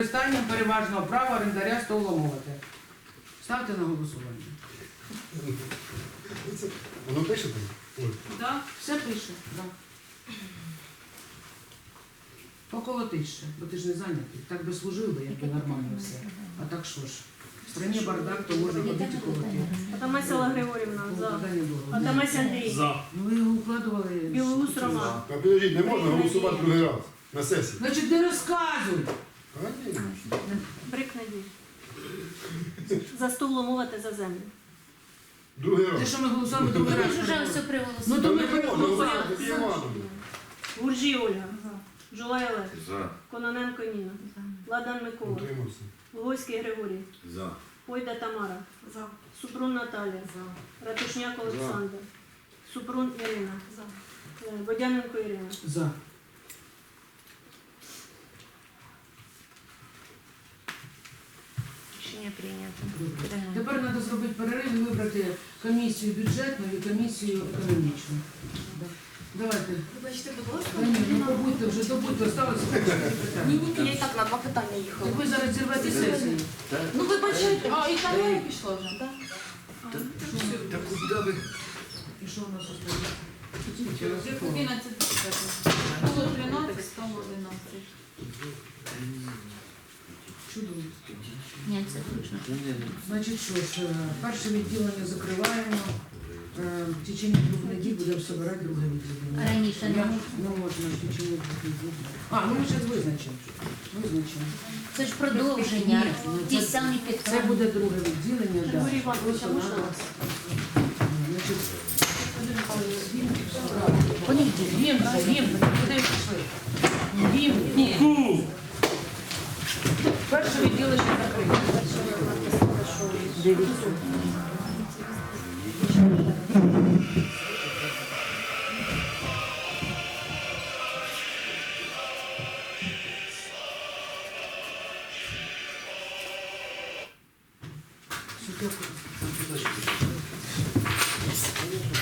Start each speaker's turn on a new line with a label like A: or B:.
A: Використання переважного права орендаря столомовити. Ставте на голосування.
B: Воно пише там? Ой.
A: Так, все пише. Да. Поколотиш ще, бо ти ж не зайнятий. Так би служив би, якби нормально все. А так що ж? В страні бардак, то можна ходити колоти.
C: Атамась Алла Григорівна, за.
A: Питання довго.
C: Атамась Андрій.
D: За.
A: Ну ви його укладували.
C: Білоус Роман.
B: А підождіть, не можна голосувати другий раз на сесії.
A: Значить, не розказуй.
B: А, ні.
C: Брик Надій. За стул ломувати за землю.
B: Другий
A: Те,
B: раз.
A: що ми голосуємо, другий раз.
E: Вже все
A: Ну
E: привелося.
A: то ми
B: не можна
A: переголосували.
B: голосувати Івановну.
C: Гуржій Ольга. Жулай Олег.
D: За.
C: Кононенко Ніна. Ладан Микола.
B: Утримався.
C: Луговський Григорій.
D: За.
C: Пойда Тамара. Супрун Наталія. Ратушняк Олександр. Супрун Ірина. Водяненко Ірина.
A: За.
E: Рішення прийнято.
A: Тепер треба зробити перерив і вибрати комісію бюджетну і комісію економічну. Да. Давайте.
F: Вибачте, будь ласка.
A: Та ні, ну побудьте вже, добудьте, осталося питання.
F: Ні, я і так на 2 питання їхала.
A: Так ви зараз зірвете сесію.
F: Ну вибачайте, а і там я пішла вже, так?
D: Та куди ви?
A: І що у нас остається?
F: 11 було 13, стало 11.
A: Чудово.
E: Ні, це точно.
A: Значить, що ж, перше відділення закриваємо. В течение 2 неділь будемо збирати друге відділення.
E: Раніше не можна.
A: Не можна в течение 2 неділь. А, ну ми зараз визначимо. Визначимо.
E: Це ж продовження.
A: Ні, ну,
E: Ті
A: це-
E: самі
A: Це
E: підтримки.
A: буде друге відділення. да.
C: Григорій Іванович, а
A: Просто
C: можна
A: надо-
C: вас?
A: Значить,
E: Понеділок.
A: Вім, куди пішли? Вім. Перше відділення закрите. Дивіться. Що таке?